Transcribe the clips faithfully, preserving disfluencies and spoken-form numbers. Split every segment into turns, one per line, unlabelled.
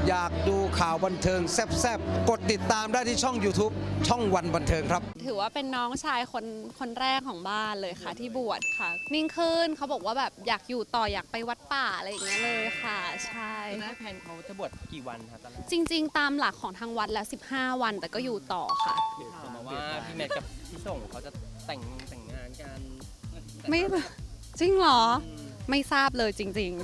อยากดูข่าวบันเทิงแซ่บๆกดติดตามได้ที่ช่อง YouTube ช่องวันบันเทิงครับ
ถือว่าเป็นน้องชายคนคนแรกของบ้านเลยค่ะที่บวชค่ะนิ่งขึ้นเขาบอกว่าแบบอยากอยู่ต่ออยากไปวัดป่าอะไรอย่างเงี้ยเลยค่ะใช่
ตอนแรกแพนเขาจะบวชกี่วันคะตอนแรก
จริงๆตามหลักของทางวัดแล้วสิบห้าวันแต่ก็อยู่ต่อค่ะ
ข่าวมาว่าพี่แมทกับพี่ส่งเขาจะแต่งแต่งงานกัน
ไม่จริงเหรอไม่ทราบเลยจริงๆ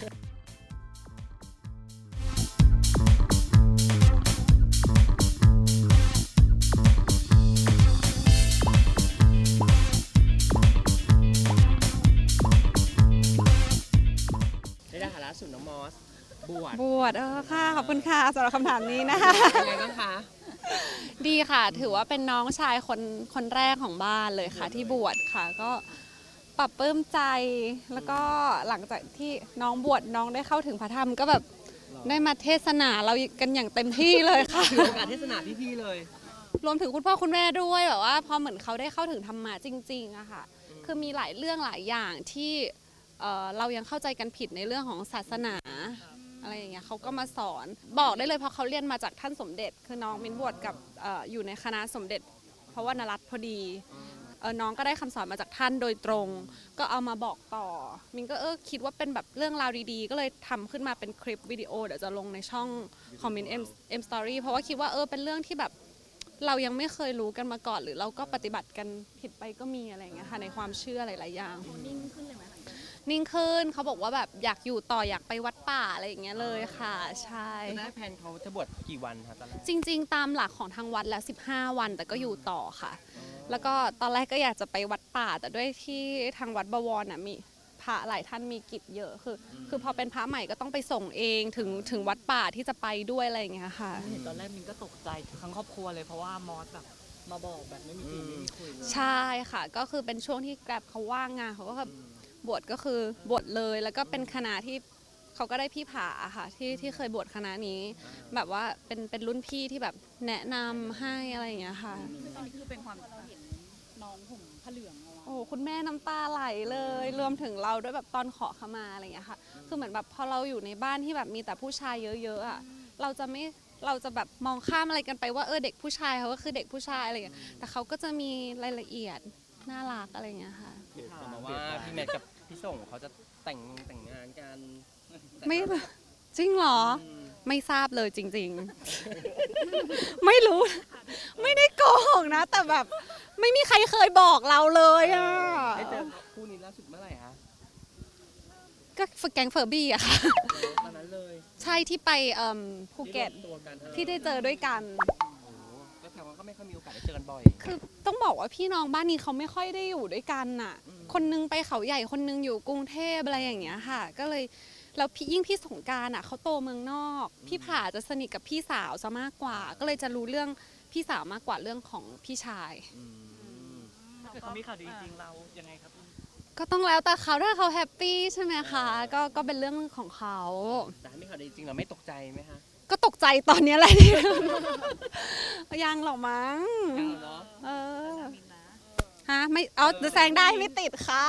ในฐานะสุนน้องมอสบวช
บวชเออค่ะขอบคุณค่ะสำหรับคำถามนี้นะคะ
เป็นไงบ้างคะ
ดีค่ะถือว่าเป็นน้องชายคนคนแรกของบ้านเลยค่ะที่บวชค่ะก็ปรับปลื้มใจแล้วก็หลังจากที่น้องบวชน้องได้เข้าถึงพระธรรมก็แบบได้มาเทศนาเรากันอย่างเต็มที่เลยค่ะ
ถือโอกาสเทศนาพี่ๆเลย
รวมถึงคุณพ่อคุณแม่ด้วยแบบว่าพอเหมือนเขาได้เข้าถึงธรรมะจริงๆอะค่ะคือมีหลายเรื่องหลายอย่างที่เรายังเข้าใจกันผิดในเรื่องของศาสนาอะไรอย่างเงี้ยเขาก็มาสอนบอกได้เลยเพราะเขาเรียนมาจากท่านสมเด็จคือน้องมินบวชกับ อ, อยู่ในคณะสมเด็จเพราะว่านรัตน์พอดีน้องก็ได้คำสอนมาจากท่านโดยตรงก็เอามาบอกต่อมินก็เออคิดว่าเป็นแบบเรื่องราวดีๆก็เลยทำขึ้นมาเป็นคลิปวิดีโอเดี๋ยวจะลงในช่องคอมเมนต์เอ็มเอ็มสตอรี่เพราะว่าคิดว่าเออเป็นเรื่องที่แบบเรายังไม่เคยรู้กันมาก่อนหรือเราก็ปฏิบัติกันผิดไปก็มีอะไรอย่างเงี้ยค่ะในความเชื่อหลายๆอย่างนิ่งขึ้นเลยไหมนิ่งขึ้นเขาบอกว่าแบบอยากอยู่ต่ออยากไปวัดป่าอะไรอย่างเงี้ยเลยค่ะใช่
ตอนแรกแพนเขาจะบวชกี่วันคะตอนแรก
จริงๆตามหลักของทางวัดแล้วสิบห้าวันแต่ก็อยู่ต่อค่ะแล้วก็ตอนแรกก็อยากจะไปวัดป่าแต่ด้วยที่ทางวัดบวรน่ะมีพระหลายท่านมีกิจเยอะคือคือพอเป็นพระใหม่ก็ต้องไปส่งเองถึงถึงวัดป่าที่จะไปด้วยอะไรอย่างเงี้ยค่ะ
เห็นตอนแรกมินก็ตกใจทั้งครอบครัวเลยเพราะว่ามอสแบบมาบอกแบบไม่มีทีไม่มีคุย
ใช่ค่ะก็คือเป็นช่วงที่แกร็บเขาว่างงานเขาก็แบบบวชก็คือบวชเลยแล้วก็เป็นคณะที่เขาก็ได้พี่ผาค่ะที่ที่เคยบวชคณะนี้แบบว่าเป็นเป็นรุ่นพี่ที่แบบแนะนำให้อะไรอย่างเงี้ยค่ะ
ตอนนี้คือเป็นความเราเห็นน้องห่มผ้าเหลืองเอาไว้
โอ้คุณแม่น้ำตาไหลเลยรวมถึงเราด้วยแบบตอนขอขมาอะไรอย่างเงี้ยค่ะคือเหมือนแบบพอเราอยู่ในบ้านที่แบบมีแต่ผู้ชายเยอะๆอ่ะเราจะไม่เราจะแบบมองข้ามอะไรกันไปว่าเออเด็กผู้ชายเขาก็คือเด็กผู้ชายอะไรอย่างเงี้ยแต่เขาก็จะมีรายละเอียดน่ารักอะไรอย่างเงี้ยค่ะ
ข่าวมาว่าพี่แมทกับพี่ส่งเขาจะแต่งแต่งงานกัน
ไม่จริงเหรอไม่ทราบเลยจริงๆไม่รู้ไม่ได้โกหกนะแต่แบบไม่มีใครเคยบอกเราเลยอ่ะ
ได้เจอคู่นี้ล่าสุดเมื่อไหร่คะ
ก็ฝึกแก๊งเฟอร์บี้อะค่ะ
ตอนนั้นเลย
ใช่ที่ไปภูเก็ตที่ได้เจอด้วยกัน
ก็แถวว่าก็ไม่ค่อยมีโอกาสได้เจอกันบ่อย
คือต้องบอกว่าพี่น้องบ้านนี้เขาไม่ค่อยได้อยู่ด้วยกันน่ะคนนึงไปเขาใหญ่คนนึงอยู่กรุงเทพอะไรอย่างเงี้ยค่ะก็เลยแล้วพี่ยิ่งพี่สงกรานต์อ่ะเขาโตเมืองนอกพี่ผาจะสนิทกับพี่สาวซะมากกว่าก็เลยจะรู้เรื่องพี่สาวมากกว่าเรื่องของพี่ชาย
ถ้าเกิดเขามีข่าวดีจริงเรายังไงครับ
ก็ต้องแล้วแต่เขาถ้าเขาแฮปปี้ใช่ไหมคะก็ก็เป็นเรื่องของเขา
แต่ถ้ามีข่าวดีจริงเราไม่ตกใจไหมคะ
ก็ตกใจตอนนี้แหละยังหรอมั้งเออฮะไม่เอาแซงได้ไม่ติดค่ะ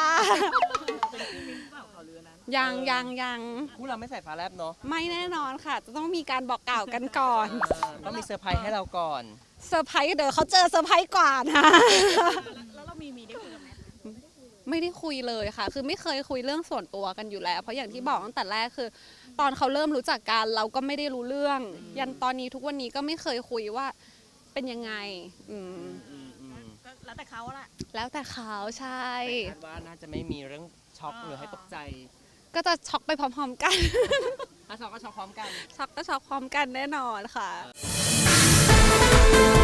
ยังยังยัง
คู่เราไม่ใส่ฟ้าแลบเนาะ
ไม่แน่นอนค่ะจะต้องมีการบอกกล่าวกันก่อน
ต้องมีเซอร์ไพรส์ให้เราก่อน
เซอร์ไพรส์เดี๋ยวเขาเจอเซอร์ไพรส์กว่านะ
แล้วเรามีมีได้คุยกับแม่
ไม่ได้คุยเลยค่ะคือไม่เคยคุยเรื่องส่วนตัวกันอยู่แล้วเพราะอย่างที่บอกตั้งแต่แรกคือตอนเขาเริ่มรู้จักกันเราก็ไม่ได้รู้เรื่องยันตอนนี้ทุกวันนี้ก็ไม่เคยคุยว่าเป็นยังไงอืม
แล้วแต่เขาแหละ
แล้วแต่เขาใช่
คาดว่าน่าจะไม่มีเรื่องช็อกหรือให้ตกใจ
ก็จะช็อกไปพร้อมๆกัน
ถ้าช็อกก็ช็อกพร้อมกัน
ช็อกก็ช็อกพร้อมกันแน่นอนค่ะ